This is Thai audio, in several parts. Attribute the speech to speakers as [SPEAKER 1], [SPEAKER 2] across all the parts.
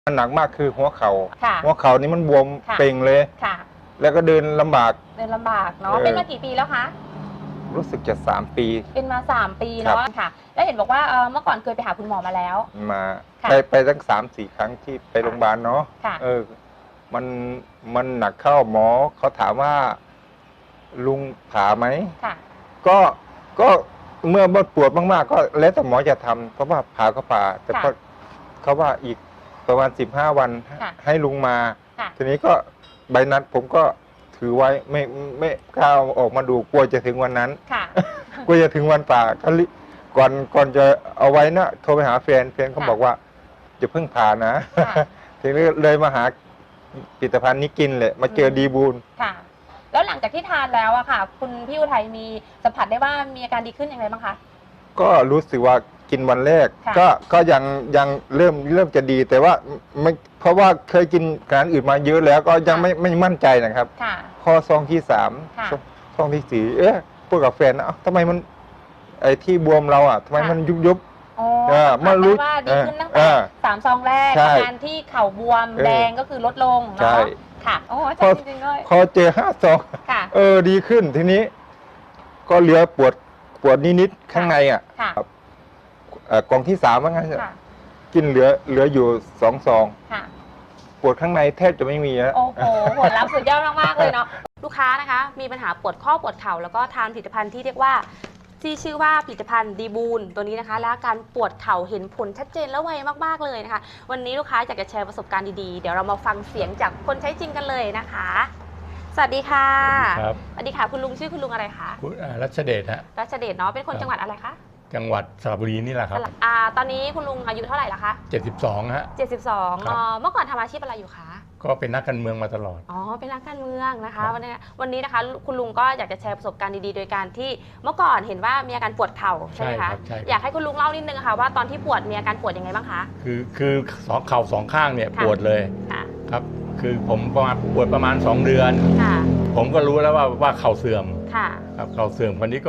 [SPEAKER 1] มันหนักมากคือหัวเขา
[SPEAKER 2] ่ะ
[SPEAKER 1] หัวเข่านี่มันบวม
[SPEAKER 2] ค่ะ
[SPEAKER 1] เป่งเลย
[SPEAKER 2] ค่ะ
[SPEAKER 1] แล้วก็เดินลำบาก
[SPEAKER 2] เดินลำบากเนาะเป็นมากี่ปีแล้วคะ
[SPEAKER 1] รู้สึกจะ3 ปี
[SPEAKER 2] เป็นมา3 ปีเนาะค่ะแล้วเห็นบอกว่าเมื่อก่อนเคยไปหาคุณหมอมาแล้ว
[SPEAKER 1] มา
[SPEAKER 2] ค่ะ
[SPEAKER 1] ไปตั้ง3-4 ครั้งที่ไปโรงพยาบาลเนาะ
[SPEAKER 2] ค่ะ
[SPEAKER 1] มันหนักเข้าหมอเขาถามว่าลุงผ่าไหม
[SPEAKER 2] ค่ะ
[SPEAKER 1] ก็ก็เมื่อปวดมากๆก็แล้วแต่หมอจะทำเพราะว่าผ่าก็ผ่าแต่ก็เขาว่าอีกประมาณ15 วันให้ลุงมา
[SPEAKER 2] ค่ะ
[SPEAKER 1] ทีนี้ก็ใบนัดผมก็ถือไว้ไม่กล้าเอาออกมาดูกลัวจะถึงวันนั้น
[SPEAKER 2] ค่ะ
[SPEAKER 1] กลัวจะถึงวันป่าก็ก่อนจะเอาไว้นะโทรไปหาแฟนเขาบอกว่าจะเพิ่งผ่านะ
[SPEAKER 2] ค่ะ
[SPEAKER 1] ทีนี้เลยมาหาผลิตภัณฑ์นี้กินเลยมาเจอดีบูล
[SPEAKER 2] ค่ะแล้วหลังจากที่ทานแล้วอะค่ะคุณพี่อุทัยมีสัมผัสได้ว่ามีอาการดีขึ้นอย่างไรบ้างคะ
[SPEAKER 1] ก็รู้สึกว่ากินวันแรก
[SPEAKER 2] ค่ะ
[SPEAKER 1] ก็ยังเริ่มจะดีแต่ว่าไม่เพราะว่าเคยกินอาหารอื่นมาเยอะแล้วก็ยังไม่มั่นใจนะครับ
[SPEAKER 2] ค่ะ
[SPEAKER 1] พอซองที่3
[SPEAKER 2] ค่ะ
[SPEAKER 1] ซองที่4พูดกับแฟนนะทำไมมันไอ้ที่บวมเราทำไมมันยุบ
[SPEAKER 2] อ๋อ
[SPEAKER 1] มารู้
[SPEAKER 2] ว่าดีขึ้นตั้งแต่3 ซองแรกอาการที่เข่าบวมแดงก็คือลดลงเนาะค่ะโอ้อาจารย์จริงๆเลย
[SPEAKER 1] พอเจอ5 ซองดีขึ้นทีนี้ก็เหลือปวดนิดๆข้างในกล่องที่3ว่างั้นกินเหลืออยู่2 ซองปวดข้างในแทบจะไม่มีแล้ว
[SPEAKER 2] โอ้โหผลลัพธ์สุดยอดมากๆเลยเนาะลูกค้านะคะมีปัญหาปวดข้อปวดเข่าแล้วก็ทานผลิตภัณฑ์ที่เรียกว่าที่ชื่อว่าผลิตภัณฑ์ดีบูลตัวนี้นะคะและการปวดเข่าเห็นผลชัดเจนและไวมากๆเลยนะคะวันนี้ลูกค้าอยากจะแชร์ประสบการณ์ดีๆเดี๋ยวเรามาฟังเสียงจากคนใช้จริงกันเลยนะคะสวัสดีค่ะสวัสดีค่ะคุณลุงชื่อคุณลุงอะไรคะ
[SPEAKER 3] รัชเดชฮะ
[SPEAKER 2] รัชเดชเนาะเป็นคนจังหวัดอะไรคะ
[SPEAKER 3] จังหวัดสระบุรีนี่แหละครับ
[SPEAKER 2] ตอนนี้คุณลุงอายุเท่าไหร่ละคะ
[SPEAKER 3] 72ฮะ
[SPEAKER 2] 72เมื่อก่อนทำอาชีพอะไรอยู่คะ
[SPEAKER 3] ก็เป็นนักการเมืองมาตลอด
[SPEAKER 2] เป็นนักการเมืองนะคะวันนี้นะคะคุณลุงก็อยากจะแชร์ประสบการณ์ดีๆโดยการที่เมื่อก่อนเห็นว่ามีอาการปวดเข่าใช่ไหมคะอยากให้คุณลุงเล่านิดนึงค่ะว่าตอนที่ปวดมีอาการปวดยังไงบ้างคะ
[SPEAKER 3] คือเข่า2 ข้างเนี่ยปวดเลยครับคือผมปวดประมาณ2 เดือนผมก็รู้แล้วว่าเข่าเสื่อมครับเข่าเสื่อมคนนี้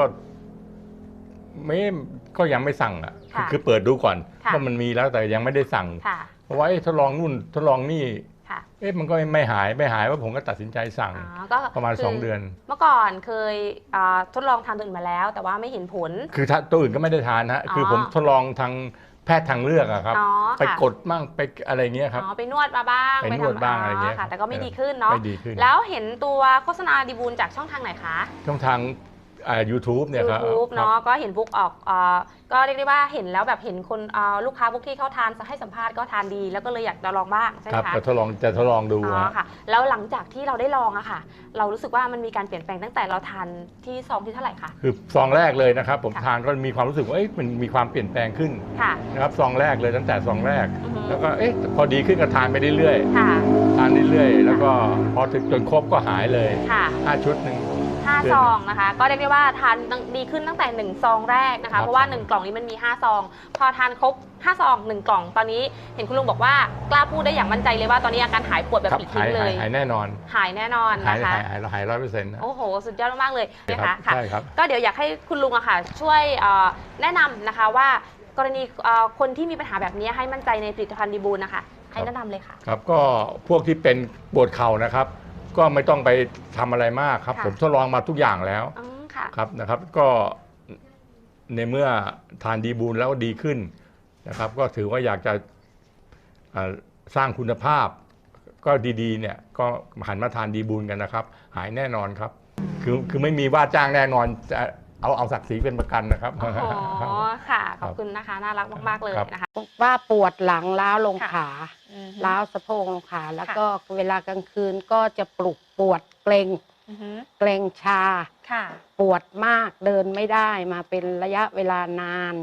[SPEAKER 3] ก็ยังไม่สั่งคือเปิดดูก่อนว่ามันมีแล้วแต่ยังไม่ได้สั่งเพราะว่าทดลองนู่นทดลองนี่มันก็ไม่หายว่าผมก็ตัดสินใจสั่งประมาณ2 เดือน
[SPEAKER 2] เมื่อก่อนเคยทดลองทานตัวอื่นมาแล้วแต่ว่าไม่เห็นผล
[SPEAKER 3] คือตัวอื่นก็ไม่ได้ทานฮะคือผมทดลองทางแพทย์ทางเลือกครับไปกดบ้างไปอะไรเงี้ยครับ
[SPEAKER 2] ไปนวดมาบ้าง
[SPEAKER 3] ไปนวดบ้างอะไรเงี้ย
[SPEAKER 2] แต่ก็ไม่ดีขึ้นเนาะแล้วเห็นตัวโฆษณาดีบูลจากช่องทางไหนคะ
[SPEAKER 3] ช่องทางYouTube เนี่ยครับ
[SPEAKER 2] YouTube เนาะก็เห็นบุ๊กออกก็เรียกได้ว่าเห็นแล้วแบบเห็นคนลูกค้าบุ๊กที่เขาทานให้สัมภาษณ์ก็ทานดีแล้วก็เลยอยากจะลองบ้างใช่ไหมคะ
[SPEAKER 3] จะทดลองดู
[SPEAKER 2] ค่ะแล้วหลังจากที่เราได้ลองอะค่ะเรารู้สึกว่ามันมีการเปลี่ยนแปลงตั้งแต่เราทานที่ซองที่เท่าไหร่คะ
[SPEAKER 3] คือซองแรกเลยนะครับผมทานก็มีความรู้สึกว่ามันมีความเปลี่ยนแปลงขึ้นนะครับซองแรกเลยตั้งแต่ซองแรกแล้วก็พอดีขึ้นก็ทานไปเรื่อยๆทานเรื่อยๆแล้วก็พอถึงจนครบก็หายเลย5 ชุด1
[SPEAKER 2] 5 ซองนะคะก็เรียกได้ว่าทานดีขึ้นตั้งแต่1 ซองแรกนะคะเพราะว่า1 กล่องนี้มันมี5 ซองพอทานครบ5 ซอง1 กล่องตอนนี้เห็นคุณลุงบอกว่ากล้าพูดได้อย่างมั่นใจเลยว่าตอนนี้อาการหายปวดแบบปลิดทิ้งเลย
[SPEAKER 3] หายแน่นอน
[SPEAKER 2] หายแน่นอนนะคะ
[SPEAKER 3] หาย100%
[SPEAKER 2] โอ้โหสุดยอดมากเลยนะคะค่ะก็เดี๋ยวอยากให้คุณลุงอะค่ะช่วยแนะนำนะคะว่ากรณีคนที่มีปัญหาแบบนี้ให้มั่นใจในผลิตภัณฑ์ดีบูลนะคะให้แนะนำเลยค่ะ
[SPEAKER 3] ครับก็พวกที่เป็นปวดเข่านะครับก็ไม่ต้องไปทำอะไรมากครับผมทดลองมาทุกอย่างแล้วครับนะครับก็ในเมื่อทานดีบูลแล้วดีขึ้นนะครับก็ถือว่าอยากจะสร้างคุณภาพก็ดีๆเนี่ยก็หันมาทานดีบูลกันนะครับหายแน่นอนครับคือไม่มีว่าจ้างแน่นอนจะเอาศักดิ์ศรีเป็นประกันนะครับ
[SPEAKER 2] อ๋อค่ะขอบคุณนะคะน่ารักมากๆเลยนะคะ
[SPEAKER 4] ว่าปวดหลังล้าวลงขาล้าวสะโพกลงขาแล้วก็เวลากลางคืนก็จะปวดเกร็งชาปวดมากเดินไม่ได้มาเป็นระยะเวลานาน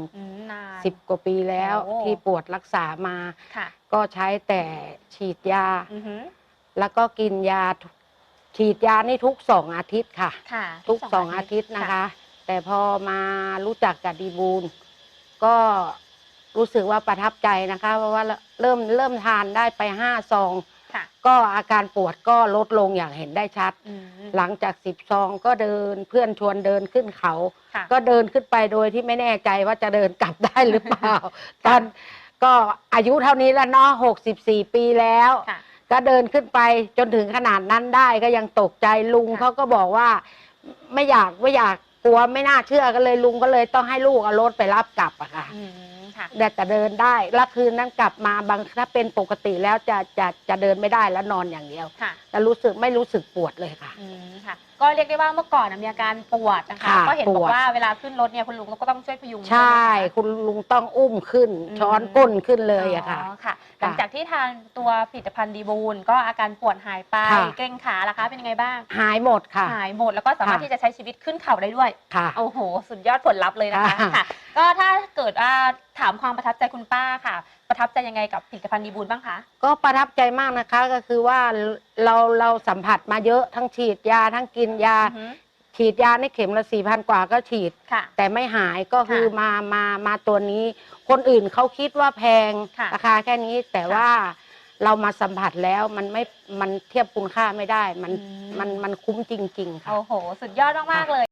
[SPEAKER 4] 10 กว่าปีแล้วที่ปวดรักษามาก็ใช้แต่ฉีดยาแล้วก็กินยาฉีดยานี่ทุก2 อาทิตย์ค่ะทุก2 อาทิตย์นะคะแต่พอมารู้จักกับดีบูลก็รู้สึกว่าประทับใจนะคะเพราะว่าเริ่มทานได้ไป5 ซองก็อาการปวดก็ลดลงอย่างเห็นได้ชัดหลังจาก10 ซองก็เดินเพื่อนชวนเดินขึ้นเขาก็เดินขึ้นไปโดยที่ไม่แน่ใจว่าจะเดินกลับได้หรือเปล่าก็อายุเท่านี้แล้วเนาะ64 ปีแล้ว
[SPEAKER 2] ค่ะ
[SPEAKER 4] ก็เดินขึ้นไปจนถึงขนาดนั้นได้ก็ยังตกใจลุง
[SPEAKER 2] ค่ะ
[SPEAKER 4] เขาก็บอกว่าไม่อยากกลัวไม่น่าเชื่อก็เลยลุงก็เลยต้องให้ลูกเอารถไปรับกลับอะค่ะ
[SPEAKER 2] ค่ะ
[SPEAKER 4] แต่เดินได้แล้วคืนนั้นกลับมาบางถ้าเป็นปกติแล้วจะเดินไม่ได้แล้วนอนอย่างเดียว
[SPEAKER 2] ค่ะ
[SPEAKER 4] แต่ไม่รู้สึกปวดเลยค่ะ
[SPEAKER 2] ค่ะ ก็เรียกได้ว่าเมื่อก่อนมีอาการปวดนะคะ
[SPEAKER 4] ค่ะ
[SPEAKER 2] ก็เห็นบอ
[SPEAKER 4] ปว
[SPEAKER 2] ก
[SPEAKER 4] ด
[SPEAKER 2] ว่าเวลาขึ้นรถเนี่ยคุณลุงก็ต้องช่วยพยุง
[SPEAKER 4] ใช่
[SPEAKER 2] ด้วยนะคะ
[SPEAKER 4] คุณลุงต้องอุ้มขึ้น ช้อนก้นขึ้นเลยอะค่ะ
[SPEAKER 2] อ๋อค่ะ หลังจากที่ทานตัวผลิตภัณฑ์ดีบูลก็อาการปวดหายไป
[SPEAKER 4] ค่ะ
[SPEAKER 2] เกร็งขาล่ะคะเป็นยังไงบ้าง
[SPEAKER 4] หายหมดค่ะ
[SPEAKER 2] หายหมดแล้วก็สามารถ
[SPEAKER 4] ค่ะ
[SPEAKER 2] ที่จะใช้ชีวิตขึ้นเขาได้ด้วย
[SPEAKER 4] ค่ะ
[SPEAKER 2] โอ้โห สุดยอดผลลัพธ์เลยนะคะ
[SPEAKER 4] ค่ะ
[SPEAKER 2] ค่ะ ก็ถ้าเกิดถามความประทับใจคุณป้าค่ะ ประทับใจยังไงกับผลิตภัณฑ์ดีบูลบ้างคะ
[SPEAKER 4] ก็ประทับใจมากนะคะก็คือว่าเราสัมผัสมาเยอะทั้งฉีดยาทั้งกินยา
[SPEAKER 2] อือฮึ
[SPEAKER 4] ฉีดยาในเข็มละ4,000 กว่าก็ฉีด
[SPEAKER 2] ค่ะ
[SPEAKER 4] แต่ไม่หายก็คือ
[SPEAKER 2] ค่ะ
[SPEAKER 4] มาตัวนี้ คนอื่นเขาคิดว่าแพง
[SPEAKER 2] ค่ะ
[SPEAKER 4] ราคาแค่นี้แต่
[SPEAKER 2] ค่ะ
[SPEAKER 4] ว่าเรามาสัมผัสแล้วมันเทียบคุณค่าไม่ได้
[SPEAKER 2] อืม
[SPEAKER 4] มันคุ้มจริง ๆ ค่ะ
[SPEAKER 2] โอ้โห สุดยอดมากๆเลย